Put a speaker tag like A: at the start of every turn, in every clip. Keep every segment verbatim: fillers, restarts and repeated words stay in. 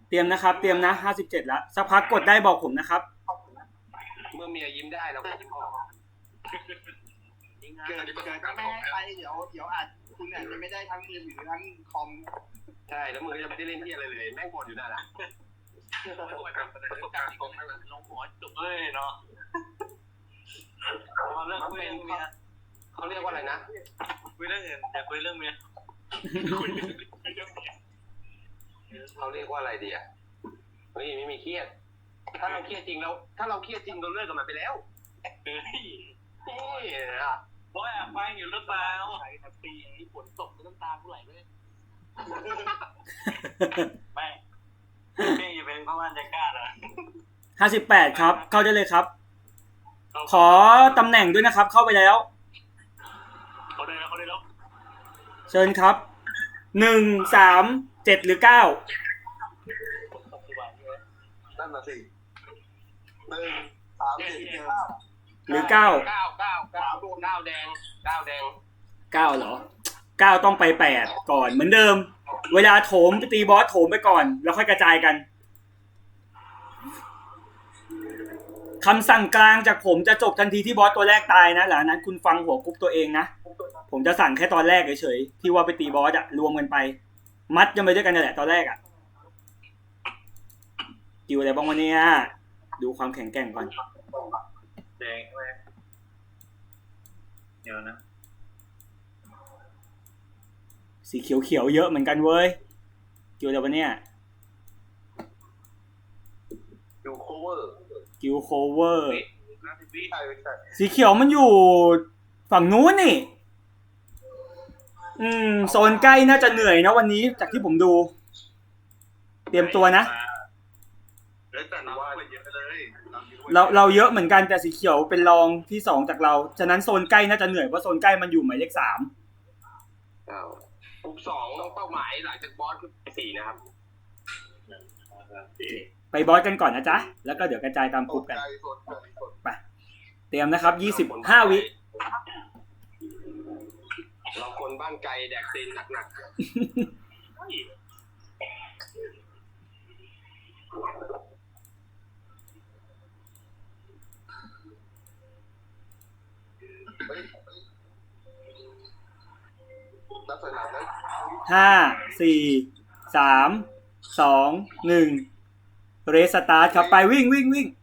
A: เตรียมนะครับเตรียมนะห้าสิบเจ็ดแล้วสักพักกดได้บอกผมนะครับ
B: เมื่อเมียยิ้มได้เราก็ยิ้มออก
C: เกิดเกิดก็ไม่ให้ไปเดี๋ยวเดี๋ยวอาจคุณอาจจะไม่ได้ทั้งมือถือทั้งคอม
B: ใช่แล้วมือจะไม่ได้เล่นที่อะไรเลยแม่งบ่นอยู่นั่นแหละ
D: ประสบการณ์ของลงหัวจุกเอ้ยเนาะมาเรื่องคุยเรื่องเมีย
B: เขาเรียกว่าอะไรนะ
D: คุยเรื่องอื่นอย่าคุยเรื่องเมียคุยเรื่องเมีย
B: เขาเรียกว่าอะไรดีอ่ะเฮ้ยไม่มีเครียดถ้าเราเครียดจริงแล้วถ้าเราเครียดจริงเราเลิกกันมาไปแล้ว
D: เฮ้ย
B: นี่อ่ะ
D: บอยอ่ะฟังอยู่หรือเปล่า
C: ใส่แต่ปีนี้ฝนตกน้ำตาผู้ไหลเลย
D: ไม่เพ่งจะเป็นเพราะว่าจะกล้าเหรอ
A: ห้าสิบแปดครับเข้าได้เลยครับขอตำแหน่งด้วยนะครับเข้าไปแล้ว
D: เขาได้แล้วเขาได้แล้ว
A: เชิญครับหนึ่งสามเจ็ดหรือเก้า
B: นั่นน่ะสิหนึ่งสามเจ็ด
A: หรือเก้า
B: เก้าเก้าเก้าเก้าแดงเก้าแดง
A: เก้าเหรอเก้าต้องไปแปดก่อนเหมือนเดิมเวลาโถมไปตีบอสโถมไปก่อนแล้วค่อยกระจายกันคำสั่งกลางจากผมจะจบทันทีที่บอสตัวแรกตายนะหลังนั้นคุณฟังหัวกรุ๊ปตัวเองนะผมจะสั่งแค่ตอนแรกเฉยๆที่ว่าไปตีบอสอะรวมกันไปมัดกันไปด้วยกันนั่นแหละตอนแรกอะกิวอะไรบ้างวันนี้ดูความแข็งแกร่งก่อน
D: แดงใช่ไหมเดี๋ยวนะ
A: สีเขียวๆเยอะเหมือนกันเว้ยกิวอะไรวะเนี่ย
B: กิวโคเวอร์
A: กิวโคเวอร์สีเขียวมันอยู่ฝั่งนู้นนี่อืมโซนใกล้น่าจะเหนื่อยนะวันนี้จากที่ผมดูเตรียมตัวนะเราเราเยอะเหมือนกันแต่สีเขียวเป็นรองที่สองจากเราฉะนั้นโซนใกล้น่าจะเหนื่อยเพราะโซนใกล้มันอยู่หมายเลขสาม
B: กลุ่มสองเป้าหมายหลังจากบอสคือสี่นะครับ
A: ไปบอสกันก่อนนะจ๊ะแล้วก็เดี๋ยวกระจายตามกลุ่มกันไปเตรียมนะครับยี่สิบห้าวิ
B: เราคนบ้านไกลแดกซีนหนักๆ
A: ห้าสี่สามสองหนึ่งเรสตาร์ทครับไปวิ่งวิ่งวิ่ง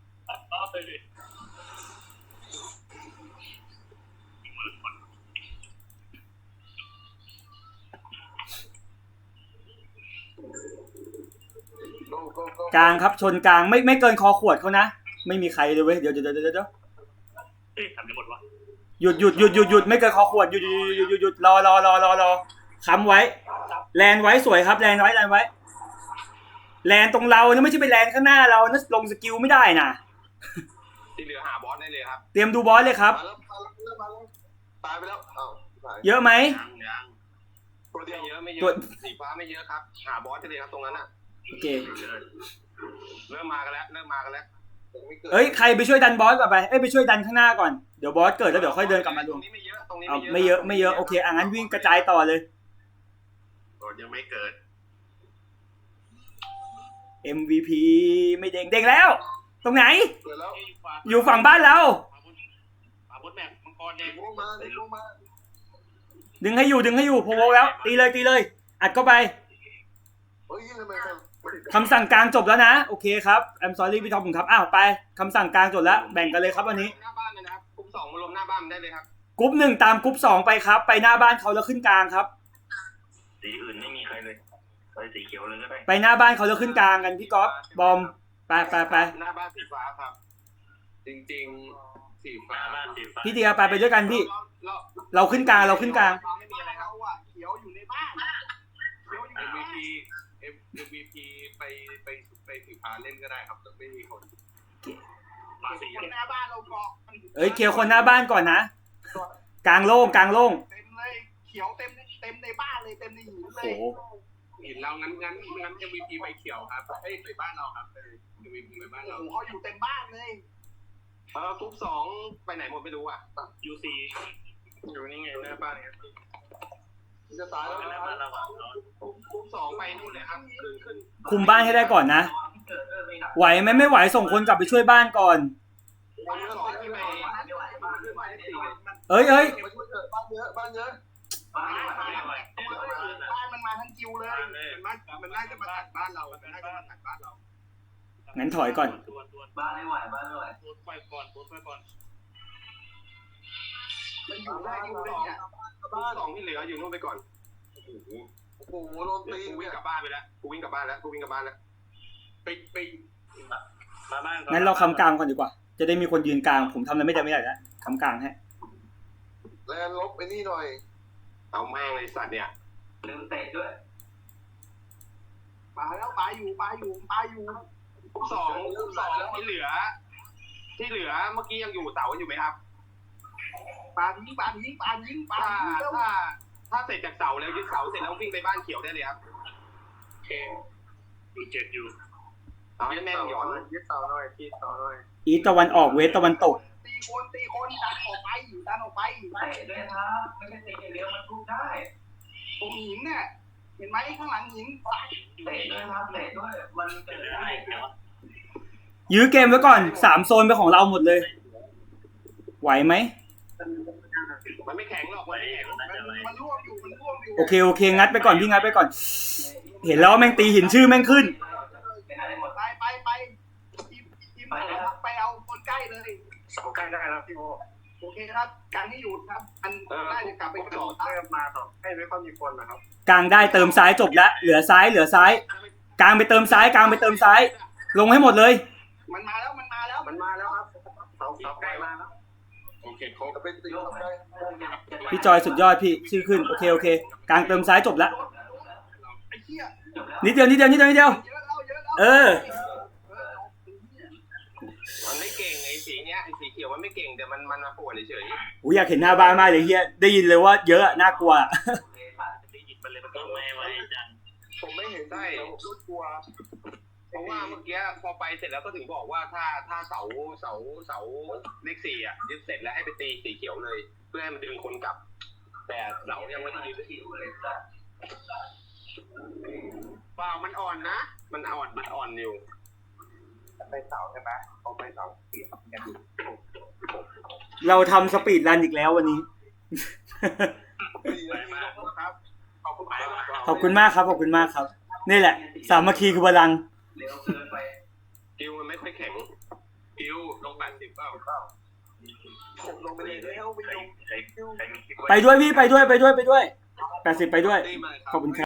A: กลางครับชนกลางไม่ไม่เกินคอขวดเขานะไม่มีใครเลยเว้ยเดี๋ยวเดี๋ยวเดี๋ยวเดี๋ยว
D: เอ๊ะทำได้หมดวะ
A: หยุดหยุดหยุดหยุดหยุดไม่เกินคอขวดหยุดหยุดหยุดหยุดหยุดรอรอรอรอรอค้ำไว้แลนไว้สวยครับแลนไว้แลนไว้แลนตรงเราเนี่ยไม่ใช่ไปแลนข้างหน้าเรานะลงสกิลไม่ได้นะ
B: ที่เหลือหาบอสได้เลยครับ
A: เตรียมดูบอสเลยครับ
B: ตายไปแล้ว
A: เยอะไหม
B: ตัวเดียวเยอะไม่เยอะสีฟ้าไม่เยอะครับหาบอสได้เลยครับตรงนั้นอ่ะ
A: โอเค
B: เริ่มมากันแล้วเริ่มมากันแล้ว
A: เอ้ยใครไปช่วยดันบอสก่อนไปเอ้ยไปช่วยดันข้างหน้าก่อนเดี๋ยวบอสเกิดแล้วเดี๋ยวค่อยเดินกลับมาดู
B: ไม่เยอะตรงนี้
A: ไม่เยอะไม่เยอะโอเคอ่ะงั้นวิ่งกระจายต่อเลย
B: บอสยังไม่เกิด
A: เอ็ม วี พี ไม่เด้งเด้งแล้วตรงไหนอยู่ฝั่งบ้านเราดึงให้อยู่ดึงให้อยู่โพโวแล้วตีเลยตีเลยอัดเข้าไปคำสั่งกลางจบแล้วนะโอเคครับ I'm sorry พี่ทอมผมครับอ้าวไปคำสั่งกลางจบแล้วแบ่งกันเลยครับวันนี้
B: หน้าบ้านเลยนะครับกรุ๊ปสองมารวมหน้าบ้านได้เลยครับ
A: กรุ๊ปหนึ่งตามกรุ๊ปสองไปครับไปหน้าบ้านเขาแล้วขึ้นกลางครับ
D: สีอื่นไม่มีใครเลยไปสีเขียวเลยก็ได้
A: ไปหน้าบ้านเขาแล้วขึ้นกลางกันพี่ก๊อฟบอมไปไปไป
B: หน้าบ้านสีฟ้าครับจริงๆสีฟ้า
A: พี่เดียไปไปด้วยกันพี่เราขึ้นกลางเราขึ้นกลาง
C: ไม่มีอะไรครับเขียวอยู่ในบ้านเขียวอยู่ในบ้าน
B: เอ็ม วี พี ไปไปไปสีฟ้าเล่นก็ได้ครับแต่ไม่มีคน
C: คนหน้าบ้านเราเกาะ
A: เอ้ยเขียวคนหน้าบ้านก่อนนะกลางโล่งกลางโล่ง
C: เต็มเลยเขียวเต็มเต็มในบ้านเลยเต็มในหินเลย
B: เห็นเรางั้นงั้นงั้น เอ็ม วี พี ไปเขียวครับเอ้ยไปบ้านเราครับเอ็ม วี พี ไปบ้านเรา
C: เขาอยู่เต็มบ้านเลย
B: เออกรุ๊ปสองไปไหนหมดไม่รู้อ่ะ
D: ยูซีอยู่นี่ไงหน้าบ้านเนี่ย
B: จะตายแล้ว
D: แล้วมันระหว่างนอน
B: คุมสองไปนู่นเลยครับขึ้นขึ้น
A: คุมบ้านให้ได้ก่อนนะ ไหวไหมไม่ไหวส่งคนกลับไปช่วยบ้านก่อน
B: บ้านเยอะต่อที่ไปบ้านขึ้นไปสี่
A: เอ้ยเอ้ย
B: มาช่วยเถอะบ้านเยอะบ้านเยอะ
D: บ้านไม่ไหว
C: บ้านมันมาทั้งคิวเลยมันมามันน่าจะมาตัดบ้านเรามันน่าจะมาตัดบ้านเรา
A: งั้นถอยก่อน
D: บ้านไม่ไหวบ้านไม่ไหวโดนไฟก่อนโดนไฟก่อน
C: มันอยู่ได้คิวเลยเนี่ย
B: บ้านสองที่เหลืออยู่นู่นไปก่อนโอ้โหโอ้โหโดนตีกูวิ่งกลับบ้านไปแล้วกูวิ่งกลับบ้านแล้วกูวิ่งกลับบ้านแล้วไปไป
D: มาบ้าน
A: งั้นเราคำกลางก่อนดีกว่า จะได้มีคนยืนกลาง ผมทำอะไรไม่ได้ไม่ได้แล้วคำกลางให้
B: แลนลบไปนี่หน่อยเอาแม่งเลยสัตว์เนี่ย
D: ลืมเตะด้วย
C: ปลาแล้วปลาอยู่ปลาอยู่ปลาอยู่
B: สองสองที่เหลือ ที่เหลือเมื่อกี้ยังอยู่เสาอยู่ไหมครับ
C: ปลาทิ้งปลาทิ้งปลาทิ้งปลา
B: ถ้า
C: ทิ้งเร็ว
B: ถ้าถ้าเสร็จจากเสาแล้วยึดเสาเสร็จแล้ววิ่งไปบ้านเขียวได้เลยครับ
D: โอเคอยู่เจ็ดอยู่
B: เอาให้แม่งหย่อน
C: ยึดเสาหน่อยที่เสาหน่อย
A: อีสตะวันออกเวสตะวันตก
C: ตีคนตีคนดันออกไปอยู่ดันออกไป
D: เตะด้วยครับไม่ใช่เตะอย่างเดียวมันทุบได้
C: ตรงหินเนี่ยเห็นไหมข้างหลังหิน
D: เตะด้วยครับเตะด้วยมันเกิดได้เดี๋ยว
A: ยื้อเกมไว้ก่อนสามโซนเป็นของเราหมดเลย ไหวไหม
B: มันไม่แข็งหรอกมันไม่แข็ง
C: มันมันร่วงอยู่มันร่วงอยู่
A: โอเคโอเคงัดไปก่อนพี่งัดไปก่อน เห็นแล้วว่าแม่งตีหินชื่อแม่งขึ้น
C: ไปไปไปทีมทีมไปเอาคนใกล้เลย
B: เสาใกล้ได้แล้วพี่โอ
C: โอเคครับการที่อยู่ครับมันน่าจะกลับไปกระโดด
B: เริ่มมาต่อให้ไม่ค่อยมีคนนะครับ
A: กลางได้เติมซ้ายจบแล้วเหลือซ้ายเหลือซ้าย กลางไปเติมซ้ายกลางไปเติมซ้าย ลงให้หมดเลย
C: มันมาแล้วมันมาแล้ว
B: มันมาแล้วครับเสาเสาใกล้มาแล้วโอเคเขาจะเป็นตีใกล้
A: พี่จอยสุดยอดพี่ชื่อขึ้นโอเคโอเค กลางเติมซ้ายจบแล้ว
C: ไอ้เหี้ย
A: นิดเดียวนิดเดียวนิดเดียวนิดเดียว
C: เยอะแล้วเยอะแล้ว
A: เออ
B: มันไม่เก่งไอ้สีเนี้ยไอ้สีเขียวมันไม่เก่งแต่มันมันมาปวดเฉย
A: อูอยากเห็นหน้าบ้านมากเลยเฮียได้ยินเลยว่าเยอะอะน่ากลัวอะ
D: ได้ยินไปเลยมันก็ไม่ไหวจัง
B: ผมไม่เห็นได้รถกลัวเพราะว่าเมื่อกี้พอไปเสร็จแล้วก็ถึงบอกว่าถ้าถ้าเสาเสาเสาเลขสี่อ่ะยึดเสร็จแล้วให้ไปตีสีเขียวเลย เพื่อให้มันดึงคนกลับ แต่เสายังไม่ได้ยึดเปล่ามันอ่อนนะ มันอ่อนมันอ่อนอยู่
C: ไปเสาใช่ไหมเอาไปเสาเสียบกันอยู่
A: เราทำสปีดรันอีกแล้ววันนี้
B: ครับขอบคุณมาก
A: ขอบคุณมากครับขอบคุณมากครับ นี่แหละ สามัคคีคือพลัง
D: เร็วเกินไป
B: กิวมันไม่ค่อยแข็งกิวลงแปดสิบเปล่าผมลงไปเลยแล้วไปลง
A: ไปด้วยพี่ไปด้วยไปด้วยไปด้วยแปดสิบไปด้วย
B: ตีมาเลยครับ
A: ขอบคุณครับ